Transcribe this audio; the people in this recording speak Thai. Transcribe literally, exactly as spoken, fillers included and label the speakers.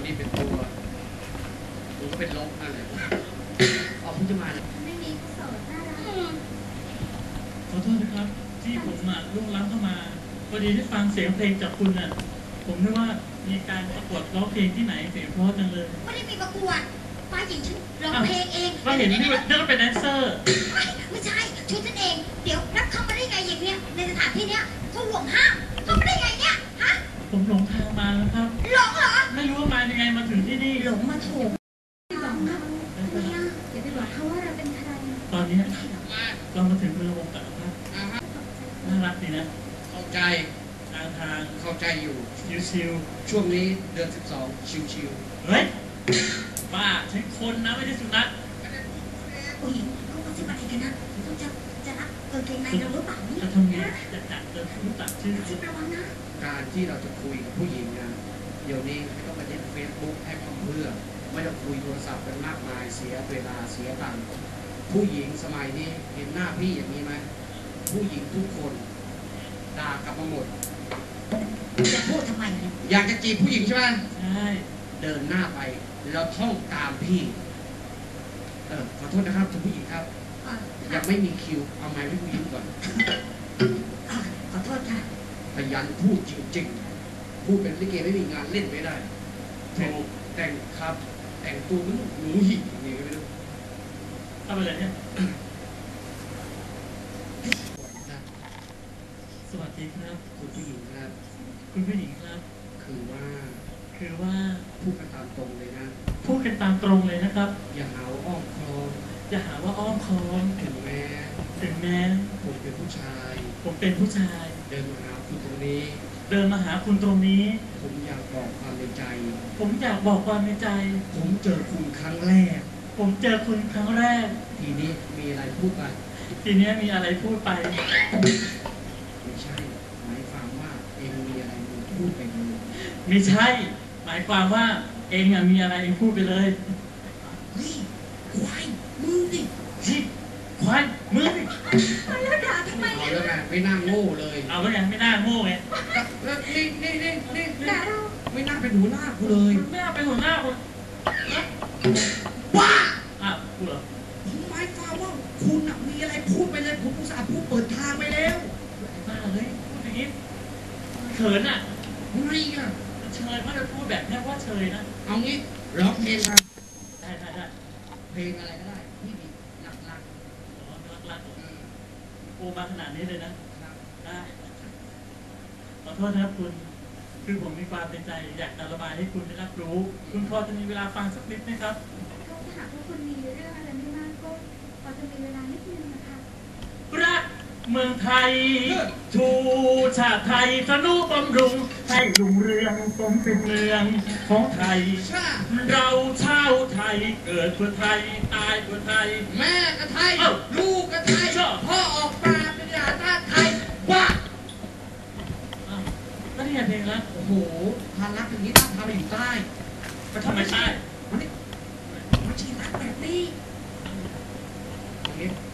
Speaker 1: นี้เป็นตัวผมก็เป็นลบนั่นแหละออกพุ่งจะมา
Speaker 2: ไม่มีก็โสดน่ารัก
Speaker 3: ขอโทษนะครับที่ผมอ่ะล่วงล้ำเข้ามาพอดีได้ฟังเสียงเพลงจากคุณอ่ะผมนึกว่ามีการประกวดร้องเพลงที่ไหนเสียงเพราะจังเลย
Speaker 2: ไม่ได้มีประกวดป้าหญิงฉันร้องเพลงเอง
Speaker 3: ก็เห็นนี่นั่นก็เป็นแดนเซอร์
Speaker 2: ไม่ไม่ใช่ชุดฉันเองเดี๋ยวรับเข้ามาได้ไงอย่างเนี้ยในสถานที่เนี้ยเขาห่วงห้ามเข้ามาได้ไงเนี่ยฮะ
Speaker 3: ผมหลงทางมาแล้วครับ
Speaker 2: หลงเหรอ
Speaker 3: ไม่รู้ว่ามายังไงมาถึงที่นี่
Speaker 2: หลงมาถูกไม่บอกเขาทำไมอ่ะอย่าไปบอกเขาว่าเราเป็นใคร
Speaker 3: ตอนนี้เรามาถึงระบบกันครับน่ารักดีนะ
Speaker 1: เข้าใจ
Speaker 3: ทางทาง
Speaker 1: เข้าใจอยู่
Speaker 3: ชิว
Speaker 1: ๆช่วงนี้เดือนสิบสองชิว
Speaker 3: ๆเฮ้ยบ้าใช่คนนะไม่ใช่สุนัข
Speaker 2: ผู้หญิงเขาจะไปกันนะเขาจะจะรับเกางเกงในเราหรือเปล่านี่
Speaker 3: จะทำไงจะจัดจะรู้จักชื่อ
Speaker 2: ชื่อระวังนะ
Speaker 1: การที่เราจะคุยกับผู้หญิงนะเดี๋ยวนี้ไม่ต้องไปเล่นเฟซบุ๊กให้ความเพื่อไม่ต้องคุยโทรศัพท์กันมากมายเสียเวลาเสียตังค์ผู้หญิงสมัยนี้เห็นหน้าพี่อย่างนี้ไหมผู้หญิงทุกคนด่ากลับมาหมด
Speaker 2: จะพูดทำไมเนี่ย
Speaker 1: อยากจะจีบผู้หญิงใช่ไหม
Speaker 3: ใช่
Speaker 1: เดินหน้าไปแล้วท่องตามพี่เออขอโทษนะครับคุณผู้หญิงครับยังไม่มีคิวเอาไม้ให้ผู้หญิงก่อน
Speaker 2: ขอโทษค่ะ
Speaker 1: พยันพูดจริงๆพูดเป็นลิเกไม่มีงานเล่นไม่ได้แต่งแต่งครับแต่งตัวมันหนูหิ่งอย่างนี้ไม่รู้
Speaker 3: ทำอะไรเนี่ยสวัสดีครับ
Speaker 1: คุณผู้หญิงครับ
Speaker 3: คุณผู้หญิงครับ
Speaker 1: คือว่า
Speaker 3: คือว่า
Speaker 1: พูดกันตามตรงเลยนะ
Speaker 3: พูดกันตามตรงเลยนะครับ
Speaker 1: อย่าหาว่าอ้อมค้อม
Speaker 3: อย่าหาว่าอ้อมค้อม
Speaker 1: ถึงแม้
Speaker 3: ถึงแม้
Speaker 1: ผมเป็นผู้ชาย
Speaker 3: ผมเป็นผู้ชาย
Speaker 1: เดินมาหาคุณตรงนี้
Speaker 3: เดินมาหาคุณตรงนี้
Speaker 1: ผมอยากบอกความในใจ
Speaker 3: ผมอยากบอกความในใจ
Speaker 1: ผมเจอคุณครั้งแรก
Speaker 3: ผมเจอคุณครั้งแรก
Speaker 1: ทีนี้มีอะไรพูดไป
Speaker 3: ทีนี้มีอะไรพูดไป
Speaker 1: ไม่ใช่หมายความว่าเองมีอะไรมึงพูดไปเลย
Speaker 3: ไม่ใช่หมายความว่าเองอะมีอะไรเองพูดไปเลย
Speaker 2: เฮ้ยควายมึงดิ
Speaker 3: ชิควายมึงดิ
Speaker 2: แล้วด่าทำไม
Speaker 1: เอาแล้วไงไม่น่าโง่เลย
Speaker 3: เอาแล้วไงไม่น่าโง่ไง
Speaker 1: แล้วนี่นี่นี่นี่
Speaker 2: ด่าเรา
Speaker 1: ไม่น่าเป็นหัวหน้ากูเลย
Speaker 3: ไม่น่าเป็นหัวหน้ากู
Speaker 1: ว้า
Speaker 3: อ้าวกูเหรอ
Speaker 1: ผมหมายความว่าคุณมีอะไรพูดไปเลยผมอุตส่าห์พูดเปิดทางไปแล้ว
Speaker 3: บ้าเลยพูดอย่างนี้เขินอ่ะ
Speaker 1: ไม่อ่ะ
Speaker 3: เชยว่าจะพูดแบบนี้ว่าเชยนะ
Speaker 1: เอางี้ร้องเพลงครับ
Speaker 3: ได้ได้ได้
Speaker 1: เพลงอะไรก็ได้ที่มีหลักหลัก
Speaker 3: อ๋อหลักหลักโอ้มาขนาดนี้เลยนะได้ขอโทษนะครับคุณคือผมมีความเป็นใจอยากจะระบายให้คุณได้รับรู้คุณพอจะมีเวลาฟังสักนิดไหมครับ
Speaker 2: ถ้าหากว่าคุณมีเรื่องอะไรไม่มากก็พอจะมีเวลานิดนึงนะคะ
Speaker 3: รักเมืองไทยชูชาติไทยสนุบำรุงให้รุ่งเรืองสมเป็นเมืองของไทยเราชาวไทยเกิดเพื่อไทยตายเพื่อไทย
Speaker 1: แม่ก็ไทยลูกก็ไทยพ่อออกมาเป็นญาติไทยว่า
Speaker 3: ก็นี่เพลงแล้ว
Speaker 1: โอ้โหพารักอย่างนี้ต้องพาไปอยู่ใต้
Speaker 3: ไปทำไมใต้
Speaker 1: มันนี่มันชีรักแบบนี้อย่างนี้